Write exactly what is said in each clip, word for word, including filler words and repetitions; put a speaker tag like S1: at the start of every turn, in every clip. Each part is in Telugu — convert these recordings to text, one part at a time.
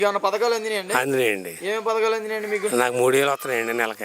S1: ఏమన్నా పథకాలు అందినాయండి?
S2: అందినాయండి.
S1: ఏమేమి పథకాలు అందినాయండి మీకు?
S2: నాకు మూడు వేలు వస్తున్నాయండి నెలకి.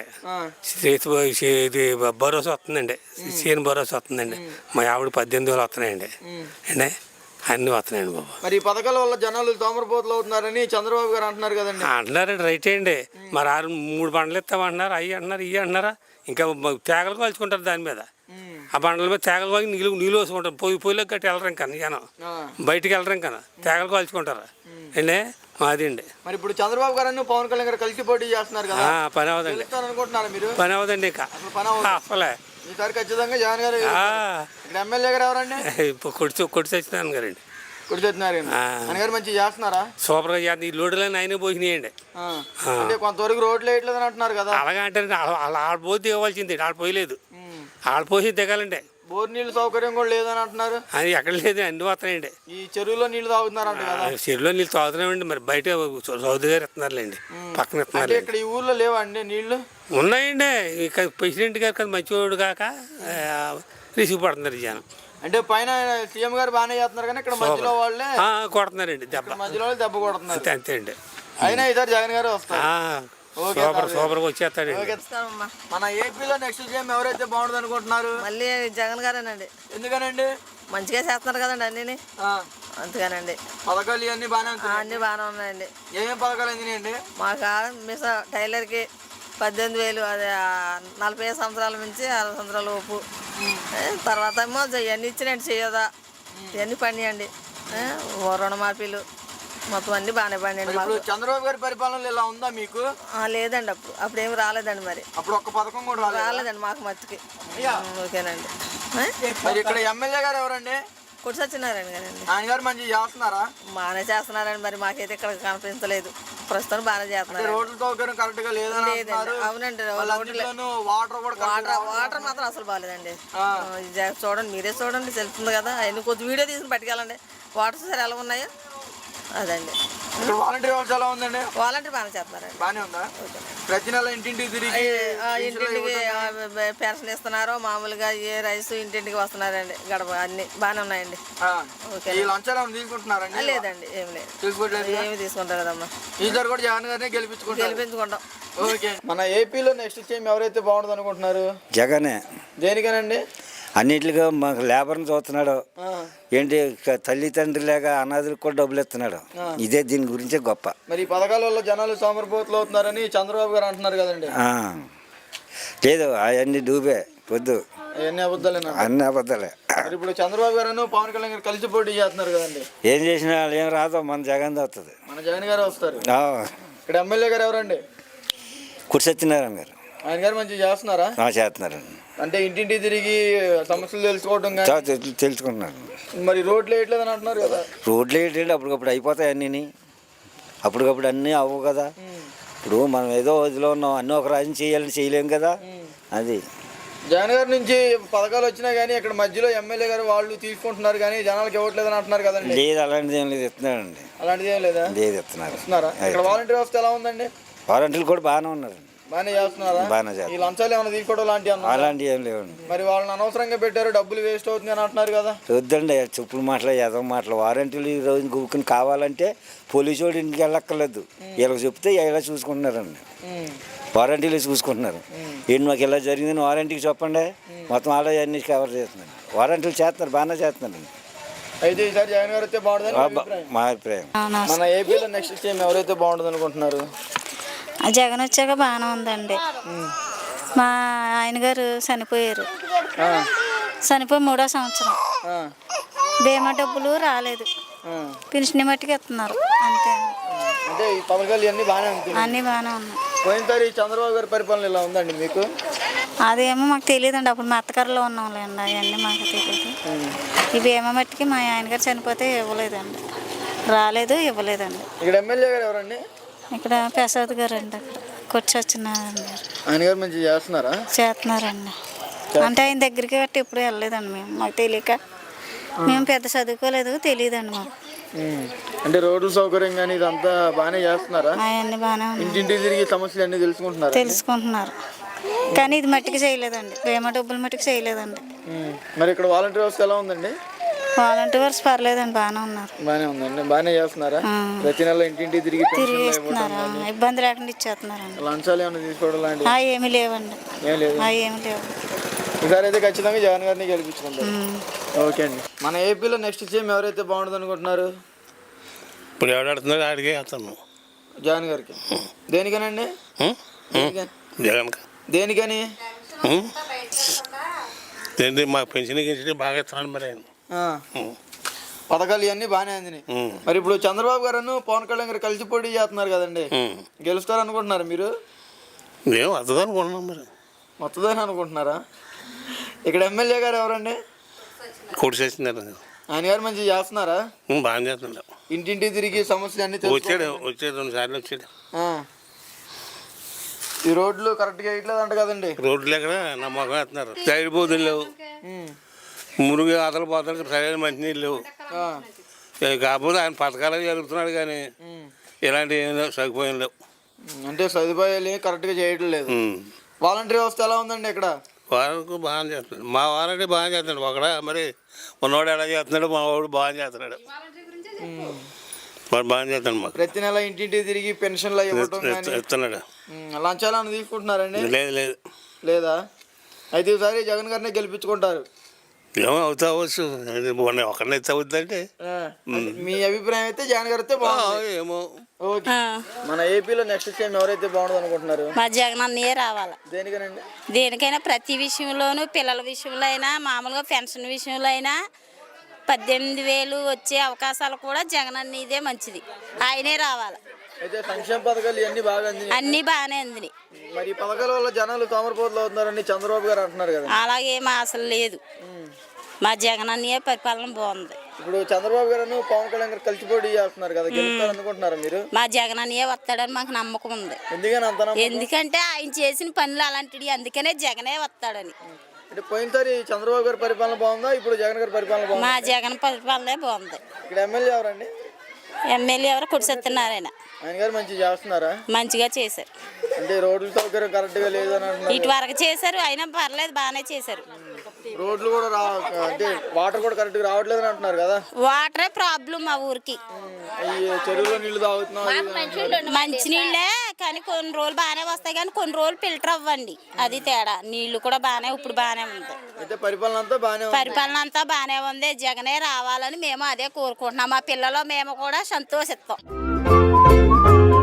S2: ఇది భరోసా వస్తుందండి, సీఎం భరోసా వస్తుందండి. మా ఆవిడ పద్దెనిమిది వేలు వస్తున్నాయండి అండి, అన్నీ వస్తున్నాయండి బాబు.
S1: మరి ఈ పథకాల వల్ల జనాలు తోమరపోతులు అవుతున్నారని చంద్రబాబు గారు అంటున్నారు కదండి.
S2: అంటున్నారండి, రైట్ అండి. మరి ఆరు మూడు బండ్లు ఇస్తామంటున్నారు, అవి అంటున్నారు, ఇవి అంటున్నారా. ఇంకా తేగలు కాల్చుకుంటారు దాని మీద, ఆ బండ్ల మీద తేగలు కాల్చి నీళ్ళు నీళ్ళు వేసుకుంటారు. పొయ్యి పొయ్యిలోకి గట్టి వెళ్ళరు ఇంకా జనం, బయటికి వెళ్ళరు ఇంకా తేగలు కాల్చుకుంటారు అండి. అది అండి.
S1: మరి ఇప్పుడు చంద్రబాబు గారు పవన్ కళ్యాణ్ గారు కలిసి పోటీ చేస్తున్నారు కదా,
S2: పని అవదండి
S1: అనుకుంటున్నారు మీరు?
S2: పని అవదండి ఇంకా అసలే.
S1: ఈసారి ఖచ్చితంగా జగన్ గారు. ఇక్కడ ఎమ్మెల్యే గారు ఎవరండి?
S2: కొడుచు కొడుచు సత్యనారాయణ గారండి.
S1: కొడుచు సత్యనారాయణ ఆయన గారు మంచిగా చేస్తున్నారా?
S2: సూపర్ గా చేస్తున్నారు. ఈ రోడ్లని ఆయన పోసినాయండి.
S1: అంటే కొంతవరకు రోడ్లు వేయట్లేదు అని అంటున్నారు కదా.
S2: అలాగే అంటే ఆడ పోయి దిగవలసింది, ఆడ పోయలేదు. ఆడ పోసి దిగాలండి.
S1: బోర్ నీళ్ళు సౌకర్యం కూడా లేదని అంటున్నారు.
S2: అది ఎక్కడ లేదు, అన్ని వస్తున్నాయండి.
S1: ఈ చెరువులో నీళ్లు తాగుతున్నారంట కదా.
S2: చెరువులో నీళ్ళు తాగుతున్నామండి, మరి బయట చౌదరి గారు ఇస్తున్నారులేండి, పక్కన ఇస్తున్నారు.
S1: ఇక్కడ ఈ ఊర్లో లేవండి నీళ్లు?
S2: ఉన్నాయండి. ఇక ప్రెసిడెంట్ గారు కదా మంచివాడు కాక రిసీవ్ పడుతున్నారు జనం.
S1: అంటే పైన సీఎం గారు బాగానే చేస్తున్నారు కానీ ఇక్కడ మధ్యలో వాళ్ళే
S2: కొడుతున్నారండి దెబ్బ,
S1: మధ్యలో దెబ్బ కొడుతున్నారు.
S2: అంతే అండి.
S1: అయినా ఈసారి జగన్ గారు వస్తారు.
S2: సూపర్ సూపర్ గా వచ్చేస్తాడు.
S1: మన ఏపీలో నెక్స్ట్ సీఎం ఎవరైతే బాగుంటుంది అనుకుంటున్నారు?
S3: మళ్ళీ జగన్ గారేనండి.
S1: ఎందుకనండి?
S3: మంచిగా చేస్తున్నారు కదండి అన్ని, అందుకనండి.
S1: పథకాలు ఇవన్నీ బాగానే
S3: అన్ని బాగానే ఉన్నాయండి.
S1: ఏమేమి పథకాలు అందినాయండి?
S3: మాకు మిస టైలర్కి పద్దెనిమిది వేలు, అదే నలభై ఐదు సంవత్సరాల నుంచి అరవై సంవత్సరాల లోపు. తర్వాత ఏమో ఇవన్నీ ఇచ్చినండి, చేయదా ఇవన్నీ పండియండి. రుణమాఫీలు మొత్తం అన్ని బాగానే పండియండి మాకు.
S1: చంద్రబాబు గారి పరిపాలన ఇలా ఉందా మీకు?
S3: లేదండి, అప్పుడు అప్పుడు ఏమి రాలేదండి. మరి
S1: అప్పుడు ఒక్క పథకం కూడా
S3: రాలేదండి మాకు మట్టుకి. ఓకేనండి.
S1: ఇక్కడ ఎమ్మెల్యే గారు ఎవరండి?
S3: కొట్టి సత్యనారాయణ గారండి.
S1: ఆయన గారు మంచిగా చేస్తున్నారా?
S3: బాగానే చేస్తున్నారండి. మరి మాకైతే ఇక్కడ కనిపించలేదు, ప్రస్తుతం బాగానే చేస్తున్నారు.
S1: రోడ్ల సౌకర్యం కరెక్ట్ గా లేదండి.
S3: అవునండి,
S1: వాటర్ కూడా
S3: వాటర్ వాటర్ మాత్రం అసలు బాగాలేదండి. చూడండి, మీరే చూడండి, తెలుస్తుంది కదా. ఆయన కొద్ది వీడియో తీసుకుని పట్టుకెళ్ళండి, వాటర్ సరే ఎలా ఉన్నాయో అదండి.
S1: వాలంటీర్ వ్యవస్థ ఎలా ఉందండి?
S3: వాలంటీర్ బాగానే చేస్తున్నారండి.
S1: బాగానే ఉందా? ప్రతి నెల ఇంటింటికి తిరిగి
S3: ఇంటింటికి పెన్షన్ ఇస్తున్నారు, మామూలుగా ఏ రైస్ ఇంటింటికి వస్తున్నారండి. గడప అన్ని బాగానే ఉన్నాయండి.
S1: తీసుకుంటున్నారండి?
S3: లేదండి, ఏమి లేదు, ఏమి తీసుకుంటారు కదమ్మా.
S1: ఈసారి కూడా జగన్ గారిని గెలిపించుకుంటాం
S3: గెలిపించుకుంటాం.
S1: ఓకే. మన ఏపీలో నెక్స్ట్ సీఎం ఎవరైతే బాగుంటుంది అనుకుంటున్నారు?
S4: జగనే.
S1: దేనికనండి?
S4: అన్నిటిగా మాకు లేబర్ని చూస్తున్నాడు ఏంటి, తల్లిదండ్రి లేక అనాథులకు కూడా డబ్బులు ఇస్తున్నాడు. ఇదే దీని గురించే గొప్ప.
S1: మరి ఈ పథకాల వల్ల జనాలు సోమరిపోతులు అవుతున్నారని చంద్రబాబు గారు అంటున్నారు కదండి.
S4: లేదు, అవన్నీ డూబే పొద్దు,
S1: అవన్నీ అబద్ధాలేనా?
S4: అన్ని అబద్ధాలే.
S1: ఇప్పుడు చంద్రబాబు గారు పవన్ కళ్యాణ్ గారు కలిసి పోటీ చేస్తున్నారు కదండి.
S4: ఏం చేసినా వాళ్ళు ఏం రాదు, మన జగన్ వస్తుంది.
S1: మన జగన్ గారు వస్తారు. ఇక్కడ ఎమ్మెల్యే గారు ఎవరండి?
S4: కొట్టి సత్యనారాయణ గారు.
S1: ఆయన గారు మంచిగా చేస్తున్నారా?
S4: చేస్తున్నారండి.
S1: అంటే ఇంటింటి తిరిగి సమస్యలు తెలుసుకోవడం
S4: తెలుసుకుంటున్నారు.
S1: మరి రోడ్లు వేయట్లేదని అంటున్నారు కదా.
S4: రోడ్లు వేయట్లేదు, అప్పటికప్పుడు అయిపోతాయి అన్నీ, అప్పటికప్పుడు అన్నీ అవ్వవు కదా. ఇప్పుడు మనం ఏదో వదిలో ఉన్నాం, అన్నీ ఒక రాజు చేయాలని చేయలేం కదా. అది
S1: జగన్ గారి నుంచి పథకాలు వచ్చినా కానీ ఇక్కడ మధ్యలో ఎమ్మెల్యే గారు వాళ్ళు తీసుకుంటున్నారు కానీ జనాలకు ఇవ్వట్లేదని అంటున్నారు కదండి.
S4: లేదు, అలాంటిది ఏం లేదు, ఇస్తున్నారండి.
S1: అలాంటిది ఏం లేదా?
S4: లేదు, ఇస్తున్నారు.
S1: ఇస్తున్నారా? ఇక్కడ వాలంటీర్ వ్యవస్థ ఎలా ఉందండి?
S4: వాలంటీర్లు కూడా బాగానే ఉన్నారు.
S1: బాగానే చేస్తున్నారా?
S4: బాగానే చేస్తారు.
S1: ఈ లంచాలు ఏమైనా తీసుకోవడం లాంటివి అన్న?
S4: అలాంటివి ఏం లేవండి.
S1: మరి వాళ్ళని అనవసరంగా పెట్టారు, డబ్బులు వేస్ట్ అవుతుంది అని అంటున్నారు కదా.
S4: వద్దండి, చెప్పులు మాటలు, ఎదవ మాటలు. వారంటీలు ఈ రోజు గుక్కుని కావాలంటే పోలీసు వాడు ఇంటికి వెళ్ళక్కర్లేదు, వీళ్ళకి చెప్తే ఇలా చూసుకుంటున్నారండి. వారంటీలు చూసుకుంటున్నారు. ఏంటి మాకు ఇలా జరిగిందని వారంటీకి చెప్పండి, మొత్తం అలా అన్ని కవర్ చేస్తున్నారు. వారంటీలు చేస్తున్నారు, బాగానే చేస్తున్నారండి.
S1: అయితే ఈసారి జగన్ గారు అయితే బాగుంటుంది
S4: మా అభిప్రాయం.
S1: మన ఏపీలో నెక్స్ట్ సీఎం ఎవరైతే బాగుంటుంది అనుకుంటున్నారు?
S5: జగన్ వచ్చాక బాగానే ఉందండి. మా ఆయన గారు చనిపోయారు, చనిపోయి మూడో సంవత్సరం. బీమా డబ్బులు రాలేదు, పెన్షన్ మట్టుకు ఇస్తున్నారు అంతే.
S1: అంటే ఈ పథకాలు అన్నీ బాగానే ఉంటాయి,
S5: అన్నీ బాగానే ఉన్నాయి.
S1: పోయినసారి చంద్రబాబు గారి పరిపాలన ఇలా ఉందండి మీకు?
S5: అదేమో మాకు తెలియదండి, అప్పుడు మా అత్తగారిలో ఉన్నాంలేండి, అవన్నీ మాకు తెలియదు. ఈ బీమా మట్టుకి మా ఆయన గారు చనిపోతే ఇవ్వలేదండి, రాలేదు, ఇవ్వలేదండి.
S1: ఇక్కడ ఎమ్మెల్యే గారు ఎవరండి?
S5: ఇక్కడ ప్రసాద్ గారు అండి, అక్కడ కొట్టి సత్యనారాయణ గారు.
S1: ఆయన గారు మంచిగా చేస్తున్నారా?
S5: చేస్తున్నారండి. అంటే ఆయన దగ్గరికి గట్టి ఎప్పుడు వెళ్ళలేదండి మేము, మాకు తెలియక. మేము పెద్ద చదువుకోలేదు, తెలియదండి మాకు.
S1: అంటే రోడ్ల సౌకర్యం కానీ ఇదంతా బాగానే చేస్తున్నారా?
S5: అవన్నీ బాగానే ఉన్నాయి.
S1: ఇంటింటి తిరిగి సమస్యలు అన్నీ తెలుసుకుంటున్నారు
S5: తెలుసుకుంటున్నారు కానీ ఇది మట్టికి చేయలేదండి, బీమా డబ్బులు మట్టికి చేయలేదండి.
S1: మరి ఇక్కడ వాలంటీర్ వ్యవస్థ ఎలా ఉందండి?
S5: వాలంటీర్స్ పర్లేదండి, బాగానే ఉన్నారు.
S1: బాగానే ఉందండి. బాగానే చేస్తున్నారా?
S5: ఆ.
S1: ప్రతి నెల ఇంటింటి తిరిగి
S5: తిరిగి
S1: పెన్షన్లు ఇవ్వడం
S5: ఇస్తున్నారా,
S1: కానీ,
S5: ఇబ్బంది లేకుండా ఇచ్చేస్తున్నారండి.
S1: లంచాలు ఏమైనా తీసుకోవడం లాంటివి
S5: ఆ, ఏమీ లేవండి,
S1: ఏం లేదు.
S5: ఆ, ఏమీ లేవు.
S1: ఈసారి అయితే ఖచ్చితంగా జగన్ గారిని గెలిపించుకుంటారు.
S5: ఉమ్.
S1: ఓకే అండి. మన ఏపీలో నెక్స్ట్ సీఎం ఎవరైతే బాగుంటుంది అనుకుంటున్నారు?
S6: ఇప్పుడు ఎవడాడుతున్నాడు ఆడికే వేస్తాను.
S1: జగన్ గారికి. దేనికనండి? దేనికని?
S6: జగన్
S1: దేనికని?
S6: ఏంటి మా పెన్షన్ గించి బాగా ఇస్తున్నాడు మరి ఆయన.
S1: ఆ. పథకాలు ఇవన్నీ బాగానే అందినాయి.
S6: ఉమ్.
S1: మరి ఇప్పుడు చంద్రబాబు గారు పవన్ కళ్యాణ్ గారు కలిసి పోటీ చేస్తున్నారు కదండి,
S6: ఉమ్.
S1: గెలుస్తారు అనుకుంటున్నారు మీరు?
S6: ఏం వస్తుంది అనుకుంటున్నాం మరి.
S1: మొత్తదని అనుకుంటున్నారా? ఇక్కడ ఎమ్మెల్యే గారు ఎవరండి?
S6: కోటి చేస్తున్నారు.
S1: ఆయన గారు మంచిగా చేస్తున్నారా?
S6: బాగా చేస్తున్నాడు.
S1: ఇంటింటి తిరిగి సమస్యలు అన్ని
S6: వచ్చాడు వచ్చాడు రెండు సార్లు వచ్చాడు.
S1: ఈ రోడ్లు కరెక్ట్గా వేయట్లేదు అంట కదండి.
S6: రోడ్లు ఎక్కడ నమ్మకం వేస్తున్నారు. సైడ్ బోధులు లేవు, మురుగు ఆతలు పోతాడు, సరైన మంచినీళ్ళు లేవు.
S1: ఆ.
S6: కాకపోతే ఆయన పథకాలు జరుగుతున్నాడు కానీ ఇలాంటి ఏం లేవు, సరిపోయిన లేవు.
S1: అంటే సదుపాయాలు కరెక్ట్గా చేయడం లేదు. వాలంటీర్ వ్యవస్థ ఎలా ఉందండి ఇక్కడ?
S6: వారానికి బాగా చేస్తున్నాడు. మా వారంటే బాగా చేస్తున్నాడు. ఒకడ మరి ఉన్నవాడు ఎలా చేస్తున్నాడు, మా వాడు బాగా చేస్తున్నాడు. వాడు బాగా చేస్తున్నాడు. మాకు
S1: ప్రతి నెల ఇంటింటి తిరిగి పెన్షన్లు ఇవ్వటం కానీ,
S6: ఇస్తున్నాడు.
S1: లంచాలు అని తీసుకుంటున్నారండి?
S6: లేదు లేదు
S1: లేదా? అయితే ఈసారి జగన్ గారిని గెలిపించుకుంటారు.
S6: ఏమో అవుతా అవ్వచ్చు, ఒకరిని అయితే అవుద్దంటే.
S1: ఆ. మీ అభిప్రాయం అయితే జగన్ గారు అయితే బాగుంది.
S6: ఏమో.
S1: ఓకే. మన ఏపీలో నెక్స్ట్ సీఎం ఎవరైతే బాగుంటుంది అనుకుంటున్నారు?
S7: మా జగన్ అన్నయ్యే రావాలి.
S1: దేనికనండి?
S7: దేనికైనా ప్రతి విషయంలోనూ, పిల్లల విషయంలో అయినా, మామూలుగా పెన్షన్ విషయంలో అయినా పద్దెనిమిది వేలు వచ్చే అవకాశాలు కూడా జగన్ అన్నయ్యదే మంచిది, ఆయనే రావాలి.
S1: అయితే సంక్షేమ పథకాలు ఇవన్నీ బాగా అందినాయి,
S7: అన్నీ బాగానే అందినాయి.
S1: మరి ఈ పథకాల వల్ల జనాలు తోమరపోతులు అవుతున్నారని చంద్రబాబు గారు అంటున్నారు కదా.
S7: అలాగే మా అసలు లేదు, మా జగన్ అన్నయ్య పరిపాలన బాగుంది.
S1: ఇప్పుడు చంద్రబాబు గారు పవన్ కళ్యాణ్ గారు కలిసి పోటీ చేస్తున్నారు కదా, గెలుస్తారు అనుకుంటున్నారా మీరు?
S7: మా జగన్ అన్నయ్య వస్తాడని మాకు నమ్మకం ఉంది.
S1: ఎందుకని అంత నమ్మకం?
S7: ఎందుకంటే ఆయన చేసిన పనులు అలాంటివి, అందుకనే జగనే వస్తాడని.
S1: అంటే పోయినసారి చంద్రబాబు గారి పరిపాలన బాగుందా, ఇప్పుడు జగన్ గారి పరిపాలన బాగుందా?
S7: మా జగన్ పరిపాలనే బాగుంది.
S1: ఇక్కడ ఎమ్మెల్యే ఎవరండి?
S7: ఎమ్మెల్యే ఎవరు కుడిసెత్తున్నారైనా
S1: ఆయన గారు మంచిగా చేస్తున్నారా?
S7: మంచిగా చేశారు.
S1: అంటే రోడ్ల సౌకర్యం కరెక్ట్ గా లేదని అంటున్నారు.
S7: ఇటు వరకు చేశారు, అయినా పర్లేదు, బాగానే చేశారు.
S1: రోడ్లు కూడా రా అంటే వాటర్ కూడా కరెక్ట్ గా రావట్లేదు అని అంటున్నారు కదా.
S7: వాటరే ప్రాబ్లం మా ఊరికి.
S1: ఈ చెరువులో నీళ్లు తాగుతున్నాం.
S7: మంచి నీళ్ళే కానీ కొన్ని రోజులు బాగానే వస్తాయి, కానీ కొన్ని రోజులు ఫిల్టర్ అవ్వండి, అది తేడా. నీళ్లు కూడా బాగానే ఇప్పుడు బాగానే ఉంది.
S1: అయితే పరిపాలన అంతా బాగానే ఉంది.
S7: పరిపాలన అంతా బాగానే ఉంది. జగనే రావాలని మేము అదే కోరుకుంటున్నాం. మా పిల్లలు మేము కూడా సంతోషిస్తాం.